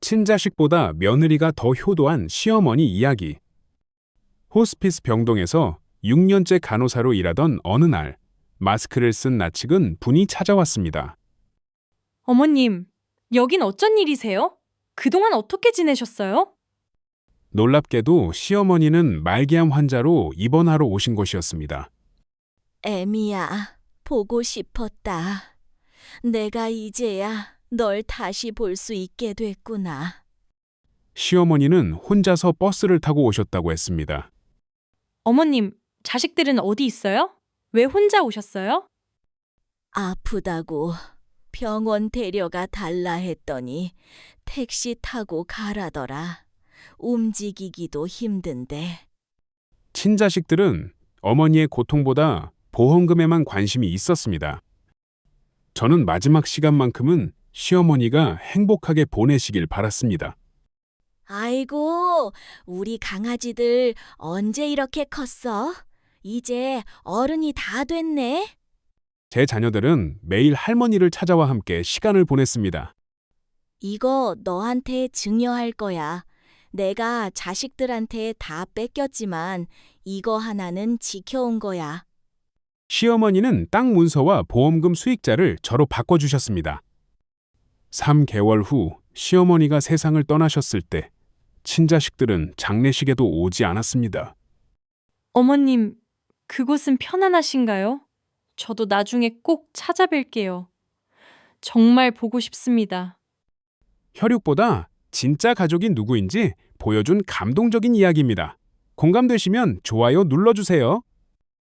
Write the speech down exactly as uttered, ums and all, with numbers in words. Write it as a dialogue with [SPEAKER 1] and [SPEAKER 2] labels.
[SPEAKER 1] 친자식보다 며느리가 더 효도한 시어머니 이야기. 호스피스 병동에서 육 년째 간호사로 일하던 어느 날, 마스크를 쓴 낯익은 분이 찾아왔습니다.
[SPEAKER 2] 어머님, 여긴 어쩐 일이세요? 그동안 어떻게 지내셨어요?
[SPEAKER 1] 놀랍게도 시어머니는 말기암 환자로 입원하러 오신 것이었습니다.
[SPEAKER 3] 애미야, 보고 싶었다. 내가 이제야 널 다시 볼 수 있게 됐구나.
[SPEAKER 1] 시어머니는 혼자서 버스를 타고 오셨다고 했습니다.
[SPEAKER 2] 어머님, 자식들은 어디 있어요? 왜 혼자 오셨어요?
[SPEAKER 3] 아프다고 병원 데려가 달라 했더니 택시 타고 가라더라. 움직이기도 힘든데.
[SPEAKER 1] 친자식들은 어머니의 고통보다 보험금에만 관심이 있었습니다. 저는 마지막 시간만큼은 시어머니가 행복하게 보내시길 바랐습니다.
[SPEAKER 3] 아이고, 우리 강아지들 언제 이렇게 컸어? 이제 어른이 다 됐네.
[SPEAKER 1] 제 자녀들은 매일 할머니를 찾아와 함께 시간을 보냈습니다.
[SPEAKER 3] 이거 너한테 증여할 거야. 내가 자식들한테 다 뺏겼지만 이거 하나는 지켜온 거야.
[SPEAKER 1] 시어머니는 땅 문서와 보험금 수익자를 저로 바꿔주셨습니다. 삼 개월 후 시어머니가 세상을 떠나셨을 때 친자식들은 장례식에도 오지 않았습니다.
[SPEAKER 2] 어머님, 그곳은 편안하신가요? 저도 나중에 꼭 찾아뵐게요. 정말 보고 싶습니다.
[SPEAKER 1] 혈육보다 진짜 가족이 누구인지 보여준 감동적인 이야기입니다. 공감되시면 좋아요 눌러주세요.